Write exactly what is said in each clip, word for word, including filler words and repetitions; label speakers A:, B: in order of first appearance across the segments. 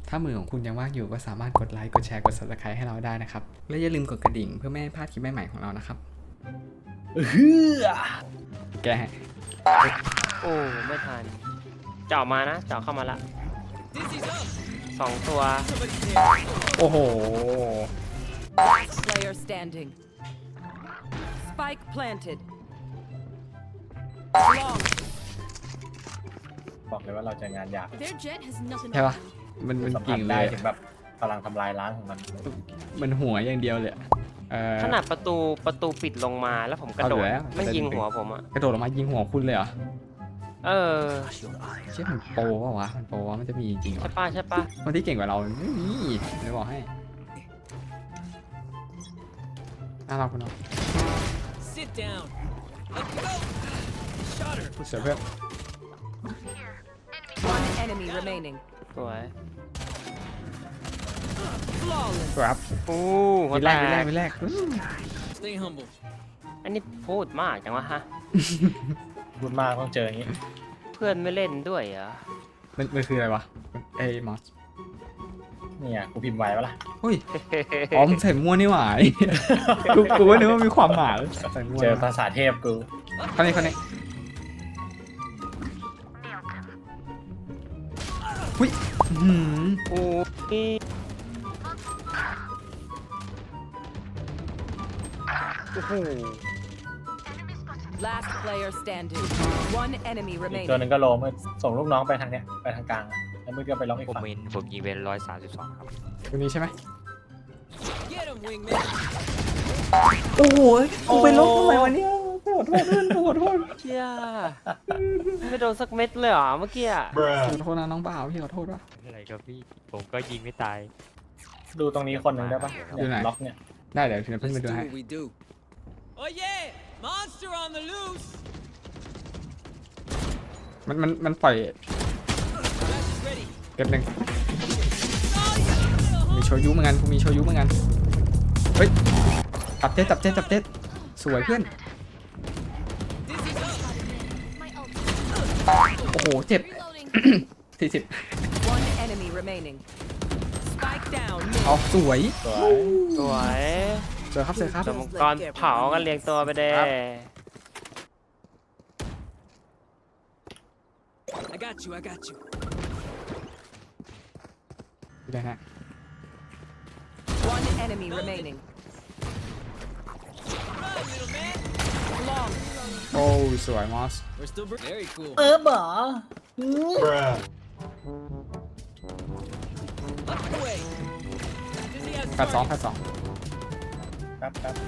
A: ถ้ามือของคุณยังว่างอยู่ก็สามารถกดไลค์กดแชร์กด ซับสไครบ์ ให้เราได้นะครับและอย่าลืมกดกระดิ่งเพื่อไม่ให้พลาดคลิปใหม่ๆของเรานะครับเฮือแก
B: โอ้ไม่ทันเจาะมานะเจาะเข้ามาละสองตัว
A: โอ้โห
C: Player standing. Spike planted. Long.
D: บอกเลยว่าเราจะงานยาก
E: Their jet has nothing
A: ใช่
E: on
A: ปะ
E: them.
A: มันมัน
D: สัมผั
A: กิ่
D: ส
A: งเล
D: ได้
A: ย
D: ถึงแบบพลังทำลายล้างของมัน
A: มันหัวอย่างเดียวเลยเออ
B: ขนาดประตูประตูปิดลงมาแล้วผมกระโดด
A: เอาอยู่แล้ว
B: ไม่ยิงหัวผมอ่ะ
A: กระโดดลงมายิงหัวคุณเลยเหรอ
B: เออ
A: เชื่อมันโปรเปล่าวะมันโปรวะมันจะมีจริงเหร
B: ใช่
A: อ
B: ป้าใช่ป้า
A: คนที่เก่งกว่าเราไม่มีไม่บอกให้น่ารักคุณเนาะ
F: Sit down. Let's go. Shot her.
A: เสือเพื่อน
C: One enemy remaining.
B: สวย
C: Flawless.
A: ครับ
B: อู้หัว
A: วิ
B: แต
A: แรกวิแรก
B: ก
A: วิแรก
F: Stay humble.
B: อันนี้พูดมากจังวะฮะ
D: พูดมากต้องเจออย่างนี้
B: เพื่อนไม่เล่นด้วยเหรอ
A: มันมันคืออะไรวะไอ้มอส
D: เนี่ยกูพิมพ์ไว้ปะล่ะ
A: เฮ้ยอ๋อมนใส่มั่วนี่หว่ากูกูก็นึกว่ามีความหมายใส่มั่ว
D: เจอภาษาเทพกู
A: คนนี้คนนี้หุ้ยหืม
B: โอ้ย โอ้โห
C: Last player standing. One enemy
D: อีก
C: remaining.
D: ตัวหนึ่งก็โลมส่งลูกน้องไปทางเนี้ยไปทางกลางแล้วมึงก็ไปล็อกอีก
G: ผม
D: ฝั่ง
G: มินผมยิงเป็นร้อยสามสิบสองครับ
A: คนนี้ใช่ไหม
F: Get him, wingman.
A: โอ้โหกูไปลบทำไมวะเนี่ยขอโทษเพื่อนขอโทษ
B: เชี่ยไม่โดนสักเม็ดเลยเหรอเมื่อกี้อะ
A: ขอโทษนะน้องบ่าวพี่ขอโทษว่ะ
G: อะไรครับพี่ผมก็ยิงไม่ตาย
D: ดูตรงนี้คนหนึ่งได้ปะ
A: อยู่ไหน
D: ล็อกเนี่ย
A: ได้เดี๋ยวทีนี้เพิ่ง
F: Let's
A: ไปดู
F: do
A: ให้
F: what we do. Oh yeah, monster on the loose.
A: มันมันมันปล่อย
F: Flash is ready.
A: เก็บหนึ่ง
F: Oh yeah.
A: มีโชยุเหมือนกันกูมีโชยุเหมือนกันเฮ้ยจับเจ็ดจับเจ็ดจับเจ็ดสวยเพื่อน
F: Dizzy's up.
E: My ult.
A: โอ้โหเจ็บ
E: Reloading.
A: สี่สิบ
C: One enemy remaining. Spike down.
A: เอาสวย
D: สวย
B: สวย
A: สวยครับสวยครับ
B: สมกรเผากันเรียงตัวไปเด้
F: I got you. I got you.
A: ได้ฮะ
C: One enemy remaining.
F: Run, little man.
C: Long.
A: โอ้สวยมอส
F: We're still br- very cool.
D: เออบ่
F: Up and away. Dizzy has
A: แปดสองแป
F: target.
A: ดสอง
D: แป๊บแป๊บ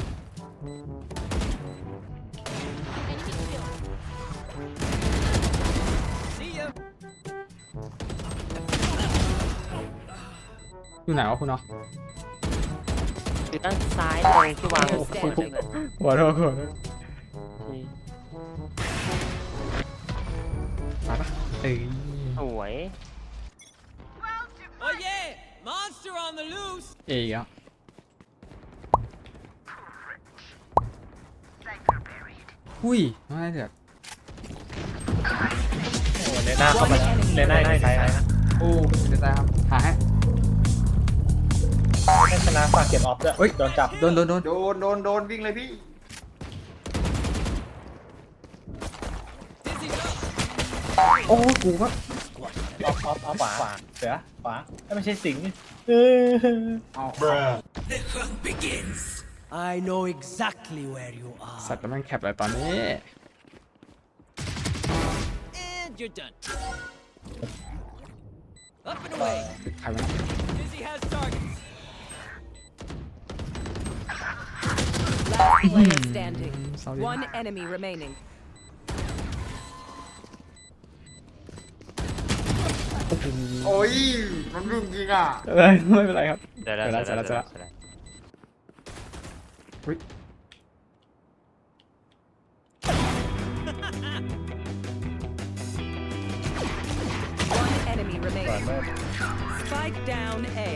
E: Enemy kill.
F: See ya.
A: อยู่ไหนวะคุณเนาะ
B: อยู่ด้านซ้ายตรงที่วางหัว
C: Standing.
A: หัวโทษหัวโทษมาปะเอ้ย
B: สวย
F: Oh yeah, monster on the loose.
A: เอ้ยอ่ะหุ้ยไม่ได้เถอะ
D: โอ้เลน่าเข้ามาแล้วเลน่าอยู่ในไซส์นะ
A: โอ้เดี๋ยวตายครับหาให้
D: ให้ชนะฝากเก็บออฟด้วย
A: เฮ้ย
D: โดนจับ
A: โดนโดนโดน
H: โดนโดนโดนวิ่งเลยพี่
F: Dizzy's up.
A: โอ้กูก็
D: ออฟออฟออฟขวาขวาเสือขวาไม่ใช่สิงห์เออ
A: เอา
F: I know exactly where you are.
A: สัตว์แล้วมันแคปอะไรตอนนี้
F: And you're done. Up and away.
A: ใครวะ
F: Dizzy has targets.
C: Last player standing.
A: sorry
C: One enemy remaining.
H: โอ้ยมันรุ่งจริงอ่ะ
A: เอ้ยไม่เป็นไรครับ
G: เดี๋ยวแล้ว
A: เสร็
G: เดี๋
A: จ
G: ยว
A: แล้ว
G: แล้ว
A: เสร็จแล้ว
G: เดี๋ยวแล้ว
A: อุ๊ย
C: One enemy
D: ก่อน
C: remaining.
D: เมื่อ
C: Spike down A.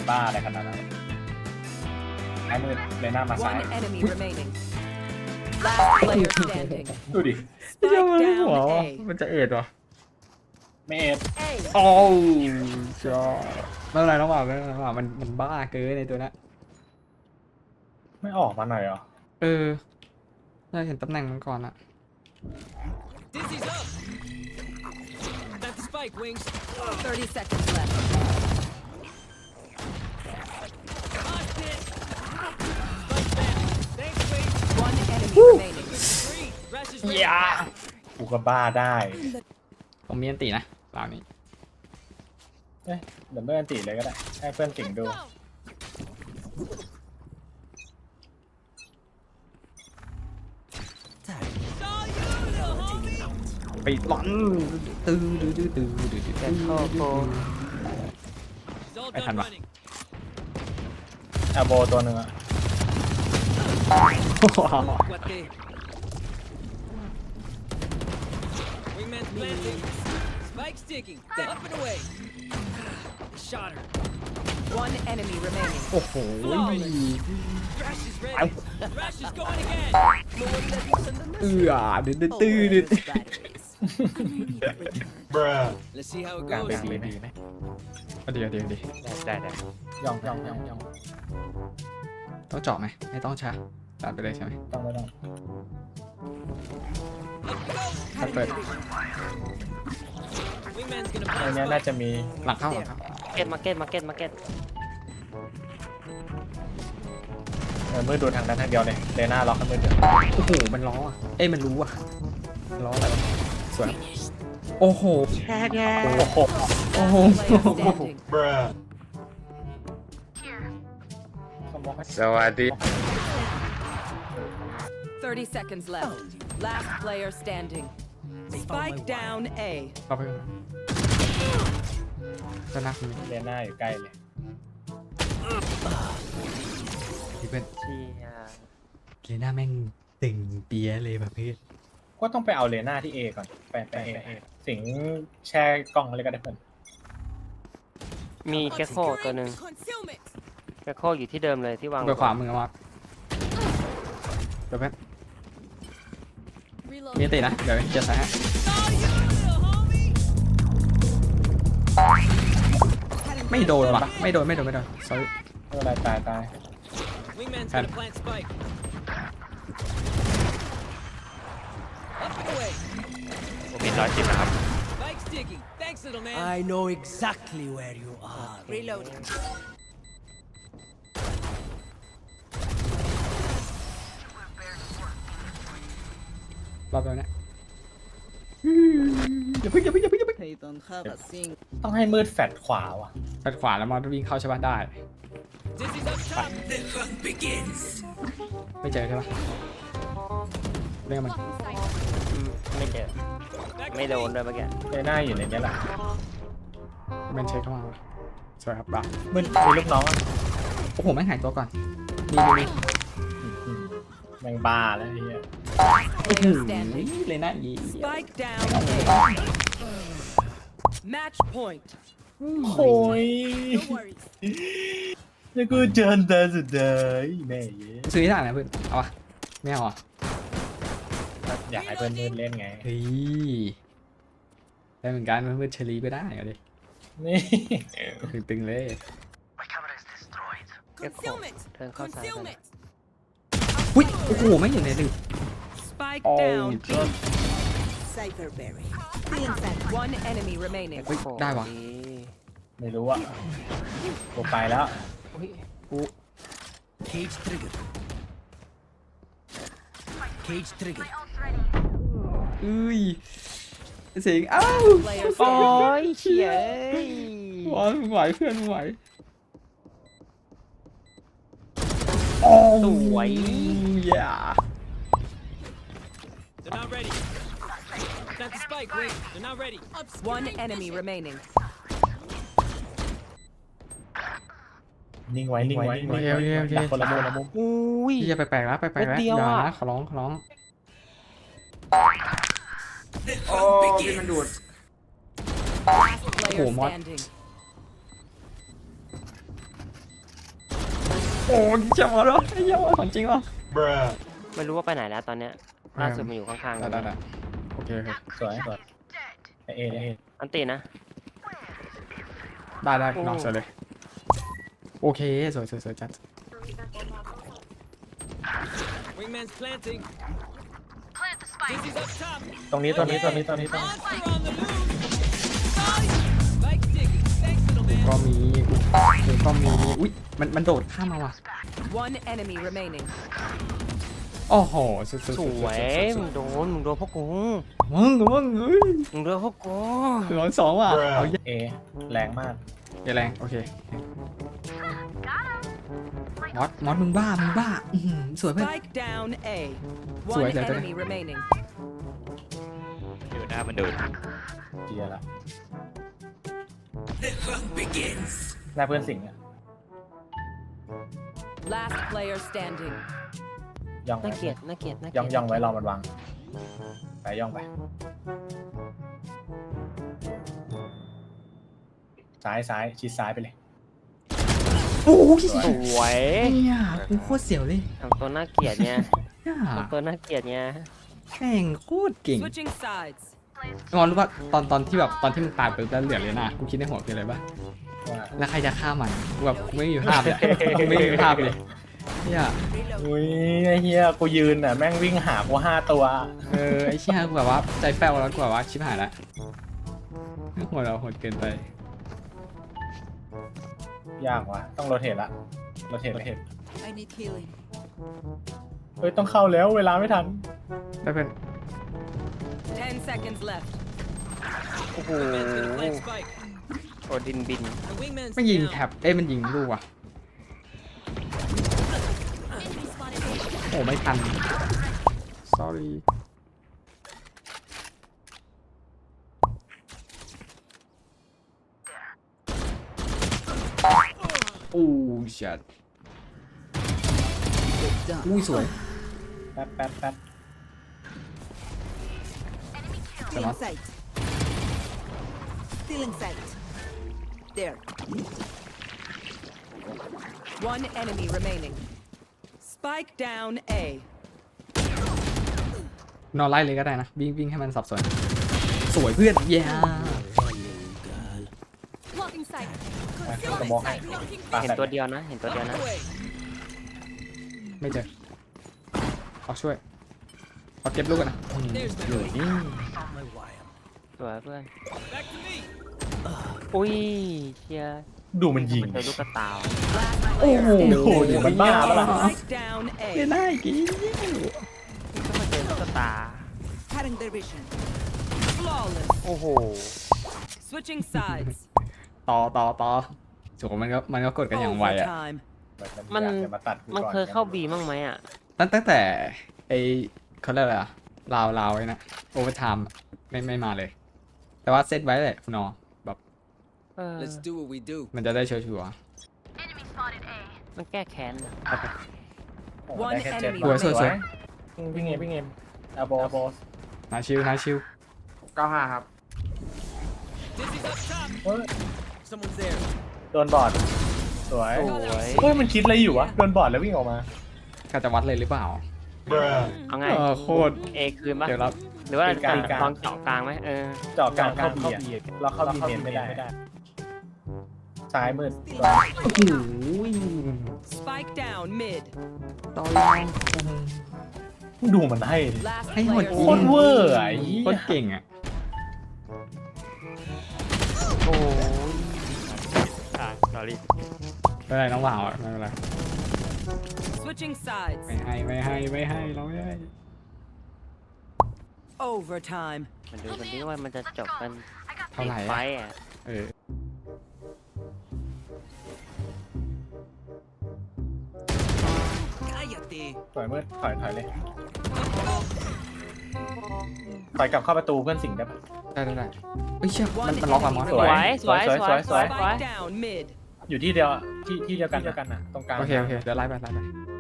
D: บ้าอะไรขนาดนั้นไอ้มือเลยหน้ามาซ้าย
C: One enemy remaining. Last player standing.
D: ดูดิ
A: เจ้า
C: Spike
A: มันหัว
C: down
A: วะ
C: A.
A: มันจะเอ็ดวะ
D: ไม่เอ็ด
C: A.
A: โอ้จอไม่เป็นไรน้องบ่าวไม่เป็นไรน้องบ่าวมันมันบ้าเกินในตัวนั้น
D: ไม่ออกมาหน่อยเหรอ
A: เออเราเห็นตำแหน่งมันก่อนอะ
F: Dizzy's up. That's the spike, Wings.
C: Thirty seconds left.
F: Mosh pit. Spike back. Thanks, Wings.
C: One enemy remaining.
F: Three. Rush is ready.
A: อย่า
D: กูก็บ้าได้
A: ผมมีอันตีนะเปล่านี้
D: เอ้ยเดี๋ยวเพื่อนตีเลยก็ได้ให้เพื่อนสิงดู
F: Saw you, little homie.
A: ไปหลอนตื้อตื้อตื้อตื้อตื้อตื้อ
B: แจ็คเข้าโก
F: He's all
A: I
F: done
A: had my-
F: running.
D: แอลโบตัวหนึ่งอะ
F: What the? Wingman's planting. Spike sticking. Up and away. Shot her.
C: One enemy remaining.
A: โอ้โห
F: Rush is ready. Rush is going again.
A: เอือดื้อดื้อตื้อดื้อ
F: Let's see how it
D: กลาง
F: goes.
D: เป็นดีไหม
A: เอาดีเอาดีเอาดี
G: ได้ได้
D: ยองยองยองยอง
A: ต้องเจาะไหมไม่ต้องใช่ตัดไปเลยใช่ไหม
D: ต้องไม่ต้อง
A: ตัดเปิด
F: Wingman's gonna
D: อัน
F: plant
D: เนี้ยน่า
F: spike.
D: จะมี
A: หลังเข้าหลังเข้า
B: เก็ตมาเก็ตมาเก็ตมาเก็ต
D: เออมือดูทางนั้นทางเดียวเลยเลน่าล็อกให้มือเดียว
A: โอ้โหมันล้ออ่ะเอ้ยมันรู้อ่ะมันล้ออะไรวะสวยโอ้โห
D: โอ้โห
A: โอ้โห
C: Player standing.
D: เขาบอกให้
H: สวัสดี
C: Thirty seconds left. Last player standing. Spike down A.
A: เข้าไปก่อนจะนักมี
D: เลน่าอยู่ใกล้เลย
A: ที่เป็น
B: เชี่ย
A: เลน่าแม่งตึงเปียะเลยแบบพี่
D: ก็ต้องไปเอาเลน่าที่เอก่อนไปไปเอสิงแช่กล้องอะไรก็ได้เพื่อน
B: มีแกคโคตัวหนึ่ง
E: Concealment.
B: แกคโคอยู่ที่เดิมเลยที่วาง
A: ไปขวามือมาเดี๋ยวแป๊บ
E: Reload.
A: มีอันตีนะเดี๋ยวจะใส่ให้
F: Saw you, little homie.
A: ไม่โดนว่ะไม่โดนไม่โดนไม่โดน sorry
D: ไม่เป็นไรตายตาย
F: Wingman's
A: Got
F: gonna
A: it.
F: plant spike. Up and away.
G: ผมมีร้อยสิบนะครับ
F: Spike sticking. Thanks, little man.
I: I know exactly where you are.
C: Reloading.
A: รอบแล้วเนี่ยอย่าเพิ่งอย่าเพิ่งอย่าเพิ่งอย่าเพิ่ง
I: They don't have a thing.
D: ต้องให้มืดแฟดขวาว่ะ
A: ปัดขวาแล้วมอสวิ่งเข้าใช่ปะได้
F: Dizzy's up top.
A: ไม่เจอใช่ปะเรื่องมัน
B: อืมไม่เจอ
F: Back
B: ไม่
F: to
B: โดน
F: me.
B: ด้วยเมื่อกี้
D: เลน่าอยู่ในนี้แหละ
A: มันเช็คเข้ามาสวยครับบ้า
D: มืดมีลูกน้องอะ
A: โอ้โหแม่งหายตัวก่อนมีมีมี
D: อืมแมงบ้าแล้วไอ้เหี้ย
C: Player standing.
A: เลยนะอี
C: Spike down A. Match point.
D: โอ้ย
E: No worries.
D: แล้วกูเจอแต่สุดเลยแม่เย้
A: ซื้อที่ไหนนะเพื่อนเอาวะไม่เอาอ่ะ
D: อยากให้เพื่อนมืดเล่นไง
A: เฮ้ยได้เหมือนกันเพื่อนเชลีก็ได้เอาดิ
D: นี่
A: ตึงๆเลย
B: แกคโค
E: Concealment.
B: เทิร์นเข้าซ้ายไป
E: Concealment.
A: อุ้ยโอ้โหไม่อยู่ในหนึ่ง
C: Spike
A: Oh,
C: down B.
I: Cypherberry.
C: One enemy remaining.
A: เฮ้ยได้ว่ะ
B: ดี
D: ไม่รู้อะกูไปแล้ว
B: อุ๊ย
I: Cage trigger. Cage trigger.
A: อุ้ยเสียงอ้าว
C: Player
B: โอ้
C: standing.
B: ยเฉีย
A: บอลมึงไหวเพื่อนมึงไหวโอ้
B: สวย
A: อย่า
F: They're not ready. Plant the spike, Wing. They're not ready.
C: One enemy remaining.
D: นิ่งไว้นิ่งไว้นิ่งไว้ดักคนละมุมละมุม
B: อุ้ย
A: พี่จะไปแปลกแล้วไปแปลกแล้ว
B: นิดเดียว
A: อย่า
B: อะ
A: นะขอร้องขอร้อง
H: โอ้พี่มันดูด
C: Last player
A: Oh, my-
C: standing.
A: โอ้ยเจ็บหมดแล้วไอ้เหี้ยของจริงวะ
B: ไม่รู้ว่าไปไหนแล้วตอนเนี้ยล่าสุดมาอยู่ข้างๆ
A: ได้ได้ได้โอเคโอเค
D: สวยสวยไอเอเอ
B: อันตีนะ
A: ได้ได้
B: โอ้
A: นอกเสร็จเลย โอเคสวยสวยสวยจัด
F: Wingman's planting. Dizzy's up top.
D: ตรงนี้ตรงนี้ตรงนี้ตรงนี้ตรงนี้
F: Monster on the loose. Spike digging. Thanks, little
A: กู
F: man.
A: ก็มีกูกูก็มีอุ้ยมันมันโดดข้ามมาว่ะ
C: One enemy remaining.
A: โอ้โหสุดสุด
B: สวยมึงโดนมึงโดนพวกกู
A: มึงมึงเฮ้ย
B: มึงโดนพวกกู
A: ร้อยสองว่ะเอาเยอะ
D: เอแรงมาก
A: อย่าแรงโอเคมอสมอสมึงบ้ามึงบ้าอื้อหือสวยเพื่อน
C: Spike down A.
A: Sủa,
C: One
A: sủa, sủa.
C: enemy remaining.
G: อยู่หน้ามันดูด
D: เจียละหน้าเพื่อนสิงห์อะ
C: Last player standing.
D: ย่อง
B: น่า
D: ไว้
B: เกลียดน่าเกลียดน่าเกลี
D: ย่
B: ย
D: อง
B: ด
D: ย่องไว้รอมันวางไปย่องไปซ้ายซ้ายชิดซ้ายไปเลย
A: โอ้ย
B: สวย
A: เนี่ยกูโคตรเสียวเลย
B: ทำตัวน่าเกลียดเนี่ย
A: เนี่ย
B: ทำตัวน่าเกลียดเนี่ย
A: แม่งโคตรเก่ง
C: Switching sides.
A: งอนรู้ป่ะตอนตอนที่แบบตอนที่มึงตายไปแล้วเหลือเลยนะกูคิดในหัวคืออะไรป่ะ
D: ว่า
A: แล้วใครจะฆ่ามันกูแบบกูไม่มีภาพเลยกูไม่มีภาพเลยเนี่ย
D: อุ้ยไอ้เฮียกูยืนอ่ะแม่งวิ่งหากูห้าตัว
A: เออไอ้เชี่ยกูแบบว่าใจแป้วแล้วกูแบบว่าชิบหายแล้วโหดเราโหดเกินไป
D: ยากว่ะต้องโรเทตละโรเทตโรเทต
I: I need healing.
D: เฮ้ยต้องเข้าแล้วเวลาไม่ทัน
A: ได้เป็น
C: Ten seconds left.
B: โอ้โห
F: Wingman's gonna plant spike.
B: โอดินบิน
F: The wingman's
A: ไม่ยิง
F: down.
A: แท็บเอ้ยมันยิงลูกว่ะ
E: Enemy spotted A.
A: โอ้ไม่ทัน sorry โอ้ชัดอุ้ยสวย
D: แป๊บแป๊บแป๊บ
I: Still in sight. Still in sight. There.
C: One enemy remaining. Spike down A.
A: นอนไล่เลยก็ได้นะวิ่งวิ่งให้มันสับสนสวยเพื่อนเย้
E: Blocking sight.
D: กระบอกให้ปา
B: เห็น
D: แฟด
B: ตัวเดียวนะ เห็นตัวเดียวนะ
F: Away.
A: ไม่เจอขอช่วยขอเก็บลูกกันนะ
F: There's my boy.
B: สวยเพื่อน
F: Back to me.
B: อุ้ยเชียร์
D: ดูมันยิง
B: มันเจอลูกกระตาว
C: Last
A: โอ้
C: player
A: โห
C: standing.
D: โอ้โหมันบ้าปะล่ะ
C: Spike down
A: ไม่
C: A.
A: ได้กี่
B: ก็มาเจอลูกกระตา
I: Cutting their vision.
C: Flawless.
B: โอ้โห
C: Switching sides.
A: ต่อต่อต่อโหมันก็มันก็กดกันอย่างไวอะ
C: Overtime.
B: มัน
D: อยากจะาตัดกู
B: มัน
D: ก่อ
B: เคยเข้าบีมั้างไหมอ่ะ
A: ตั้งตั้งแต่ไอเขาเรียกอะไรอะลาวลาวไว้นะโอเวอร์ไทม์ไม่ไม่มาเลย แต่ว่าเซตไว้แหละคุณนอแบบ
B: เออ
F: Let's do what we do.
A: มันจะได้ชัวร์
B: มันแก้แค้นอะ
D: โอ้โหได้แค่เจ็ด
C: One
A: ๆสวยสวยสวย
D: วิ่งเงมวิ่งเงมอาโบอาโบ
A: นาชิวนาชิว
H: เก้าห้าครับ
F: Dizzy's up top.
D: เฮ้ย
F: Someone's there.
D: โดนบอดสวย
B: สวย
D: เฮ้ยมันคิดอะไรอยู่วะโดนบอดแล้ววิ่งออกมา
A: กาจะวัดเลยหรือเปล่า
B: เอาไง
A: เออโคตร
B: เอคืนปะ
A: เดี๋ยวรับ
B: หรือว่า
D: เป็นกลางกลาง
B: ลองเจาะกลางไหมเออ
D: เจาะกลางเข้าบีอะเราเข้าบีเมนไม่ได้ซ้ายมืด
A: โอ้โห
C: Spike down mid.
A: ต่อเลย
D: ดูมันให้ดิ
C: Last
A: ให้หมด
C: player
D: โคตรเวอร์อะไอ้เหี้ย
A: โคตรเก่งอ่ะ
B: โอ้ย
G: อ่าสอรี่
A: ไม่เป็นไรน้องบ่าวอ่ะไม่เป็นไร
C: Switching sides.
A: ไม่ให้ไม่ให้ไม่ให้เราไม่ให้
C: Overtime.
B: มันดูกันดิว่ามันจะจบกัน
A: เท่าไหร่
B: ไฟ
A: อะ
B: อ่ะ
A: เออ
D: ถอยมืดถอยถอยเลยถอยกลับเข้าประตูเพื่อนสิงได้ปะ
A: ได้ได้ได้เฮ้ยเชี่ยมันมันล็อกอะมอส
B: สวยสวย
D: สวย
B: สวย
D: สวย
C: Spike down mid.
D: อยู่ที่เดียวที่ที่เดียวกันเดียวกันน่ะตรงกลาง
A: โอเคโอเคเดี๋ยวไล่ไปไล่ไป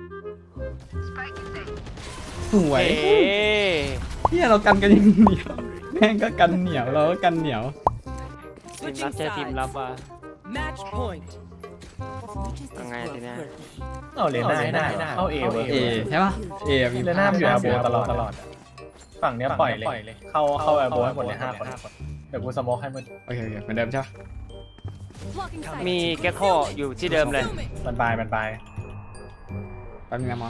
A: สวย
B: เอ้ย
A: เฮียเรากันกันอย่างเหนียวแม่งก็กันเหนียวเราก็กันเหนียว
B: ทีม
C: Switching
B: รับเจอทีมรับ
C: sides.
B: อ่ะ
C: Match point.
B: ยังไงทีเนี้ย
D: เอาเลน่าให้ได้เข้าเอเวอร์
A: เอใช่ป่ะเอมี
D: เลน่าอยู่แอร์โบตลอดตลอดฝั่งเนี้ยปล่อยเลยเข้าเข้าแอร์โบให้หมดเลยห้าคนเดี๋ยวกูสโมกให้มึง
A: โอเคโอเคเหมือนเดิมใช่ป่ะ
E: Blocking sight.
B: มีแกคโคอยู่ที่เดิมเลย
D: มันบายมันบาย
A: แป๊บนึงนะหมอย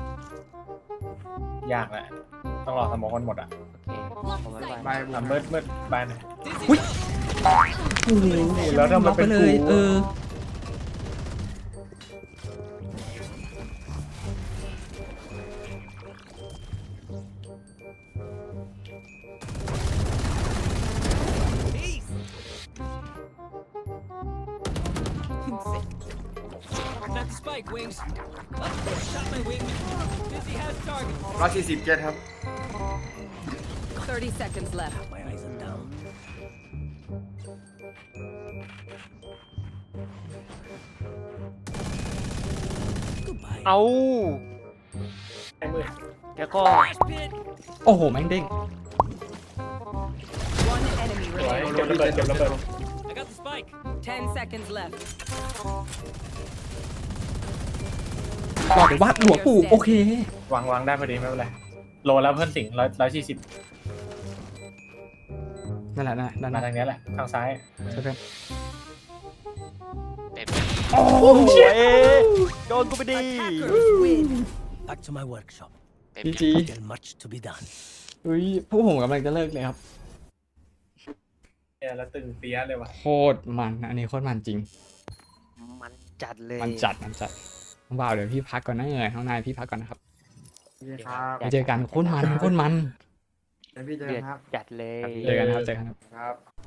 D: ากแหละต้องรอสโมกกันหมดอ่ะ
B: โอเคผมไม่ไหว
H: บาย
D: อ่ะมืดมืดบายหน่อย
A: อุ้ย
D: แล้วทำไม
A: ล็อก
D: เป็
A: ไป
D: น
A: เล
D: กู
A: ยเออ
F: Not the spike, Wings. Oh, shot my wings. Dizzy has target.
H: ร้อยสี่สิบเจ็ดครับ
C: thirty seconds left.
F: My eyes are down.
B: เอา
D: ไอ้มืด
B: แกคโค
F: Flash pit.
A: โอ้โหแม่งเด้ง
C: One enemy
D: สวย
C: remaining.
D: เก็บระเบิดเก็บระเบิด
F: I got the spike.
C: Ten seconds left.
A: บอกเลยว่าหัวปู่โอเค
D: วางวางได้พอดีไม่เป็นไรโลแล้วเพื่อนสิงร้อยร้อยสี่สิบ
A: นั่นแหละนั่นแหละด้านห
D: มา
A: น้า
D: ทางนี้แหละทางซ้าย
A: ใช่เพื่อน
B: โอ้โหโดนกูไปดี
I: Attackers win.
F: Back to my workshop.
A: จีจี
F: Still much to be done.
A: อุ้ยพวกผมกำลังจะเลิกเลยครับ
D: เนี่ยแล้วตึงเปี้ยเลยว่ะ
A: โคตรมันอันนี้โคตรมันจริง
B: มันจัดเลย
A: มันจัดมันจัดน้องบ่าวเดี๋ยวพี่พักก่อนนะเอ๋ยน้องนายพี่พักก่อนนะครับ
H: นี่ครับ
A: ไปเจอกันโคตรมันโคตรมัน
H: เดี๋ยวพี่เจอ
B: เดือ
H: กั
B: ด
H: นครับ
B: จัดเลย
A: เจอกันนะครับเจอกันครับ
H: ครับ